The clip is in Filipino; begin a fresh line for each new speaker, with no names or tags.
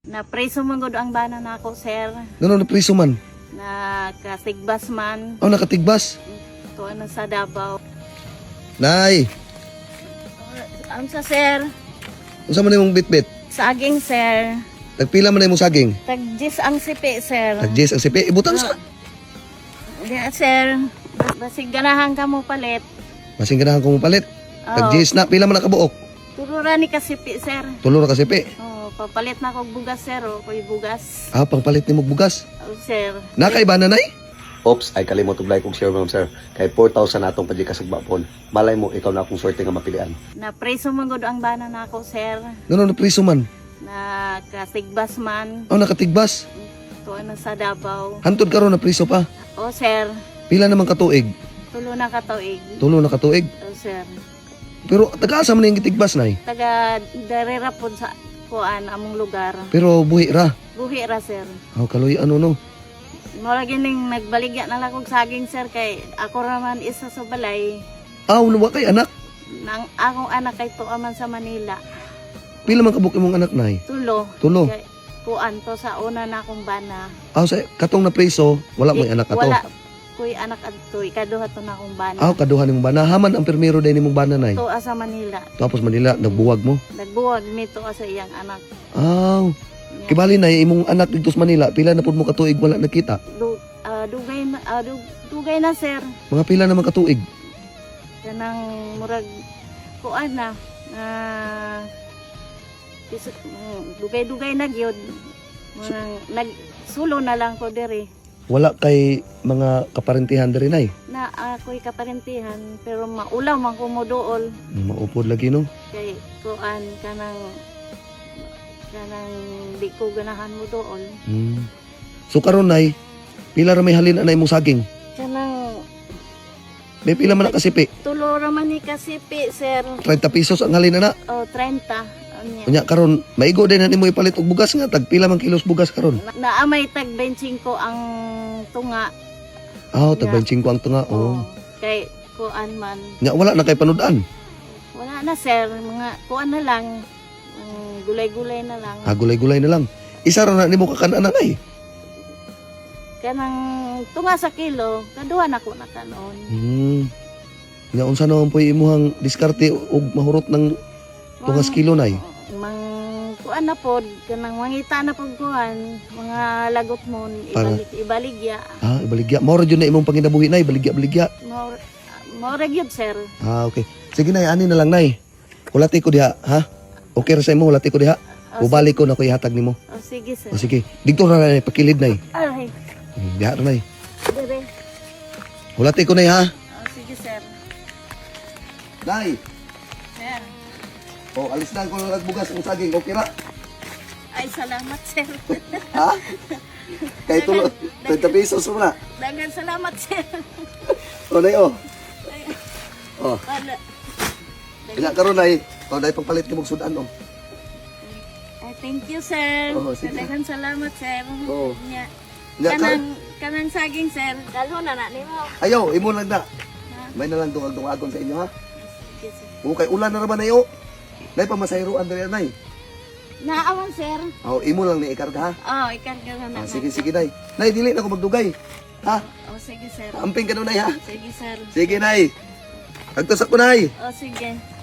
Na preso man gud ang bana nako, sir.
Ngano na priso man?
Na kasigbas man
Aw nakatigbas.
to ano sa Davao.
Nay,
Ang sa sir,
unsa man imong bitbit?
saging sir.
Tagpila man imong saging?
Tagjis ang sipi, sir.
Tagjis ang sipi. Ibutang sa.
Yeah, sir. Basig ganahan ka mo palit.
Masing ganahan ko mo palit.
Oh,
Tagjis na. Pila man nakabuok?
turura ni kasipi, sir.
Tulo ra ka sipi.
Oh, papalit na kog bugas, sir. O, ko'y bugas.
Ah, pangpalit ni mong bugas.
Oh, sir.
Nakaiba na nay? Oops, ay kalimot og like kong share ma'am sir. Kay 4,000 na atong pagkasagba-pon. Malay mo ikaw na akong swerte nga mapilian.
Na preso man gud ang bana nako, sir.
Ngano na priso man?
Na kasigbas man
Aw nakatigbas.
to ano sa Davao.
Hantod karon na priso pa.
Oh, sir.
Pila naman katuig?
Tulo na ka tuig.
Tulo na katuig.
Oh, sir.
Pero taga-asa man yung gitigbas nay.
Taga darera pod sa kuan among lugar.
Pero buhi ra.
Buhi ra, sir.
Aw kaloy ano no.
Mura gining nagbaligya na lang kog saging, sir, kay ako raman isa sa balay.
Aw nawa kay anak.
Nang akong anak kay tuwa man sa Manila.
Pila man kabuk imong anak nay?
Tulo.
Tulo.
Kay kuan to sa una na akong bana.
Aw sa katong na priso wala mo anak ato.
Wala. Kuy anak adto, ikaduha to na akong bana.
Aw kaduha nimong bana. Haman ang permero din nimong bana nay.
Tuwa sa Manila.
Tapos Manila nagbuwag mo.
Nagbuwag mi tuwa sa iyang anak.
Aw. Kibali na imong anak dito sa Manila, pila na pud mo katuig wala nakita?
Dugay na, sir.
Mga pila naman katuig?
Kanang murag kuan na. Dugay-dugay na gyud. Murag nagsulo na lang ko diri.
Wala kay mga kaparentihan diri nay.
Na ako'y kaparentihan pero maulaw man ko mo dool
Maupod lagi no.
kay kuan kanang di ko ganahan mo dool.
So karon nay, pila ra may halin anay mong saging?
Kanang
May pila man na kasipi?
tulo ra man ni kasipi, sir.
30 pesos ang halin na.
O 30. Anya.
Unya karon maigo din na nimo ipalit og bugas nga tag pila man kilos bugas karon?
Naamay tag 25 ang tunga.
Aw tag 25 ang tunga.
Oh.
Oh.
Kay kuan man.
Nya wala na kay panudan.
Wala na, sir. Mga kuan na lang. Gulay-gulay na lang.
Gulay-gulay na lang. Isa ra na nimo kakan-anan ay.
Kanang tunga sa kilo, kaduha na ko na kanon.
Nya unsa naman po imuhang diskarte og mahurot ng tungas kilo nay?
Mang kuan na pod, kanang mangita na pod kuan, mga lagot mon,
Para-
ibaligya.
Ibaligya. Mao ra jud na imong panginabuhi nay, baligya-baligya.
Maura gyud, sir.
Okay. Sige nay, ani na lang nay. Hulati ko diha, ha? Okay ra sa imo, hulati ko diha. Ubalik ko na ko ihatag nimo.
Oh, sige, sir.
O sige, dito ra nay pakilid nay.
Ay,
Diha ra nay.
dire.
Hulati ko nay ha.
Oh, sige, sir.
Nay,
Sir.
alis na ko lang bugas ang saging, okay ra?
Ay, salamat, sir.
Ha? Kay tulo, 30 pesos mo na.
Dagan salamat, sir.
O nay o.
Ay,
O,
wala.
ina karon nay. O nay pagpalit ko mong sudan o.
Ay, thank you, sir.
Oh, sige.
Dagan salamat, sir.
Oo.
Nya,
Nya
kanang saging, sir. Dalho na nimo.
ayaw, imo lang na.
Ha?
May na lang dungag-dungagon sa inyo ha.
Sige, sir.
O kay ulan na naman ayo. Nay pamasayroan diri nay.
Naawan, sir.
O imo lang ni ikarga ha.
Oh, ikarga na.
Sige sige nay. Nay dili na ko magdugay. Ha?
Oh, sige, sir.
Amping ka na nay ha.
Sige, sir.
Sige nay. Agtusak ko nay.
Oh, sige.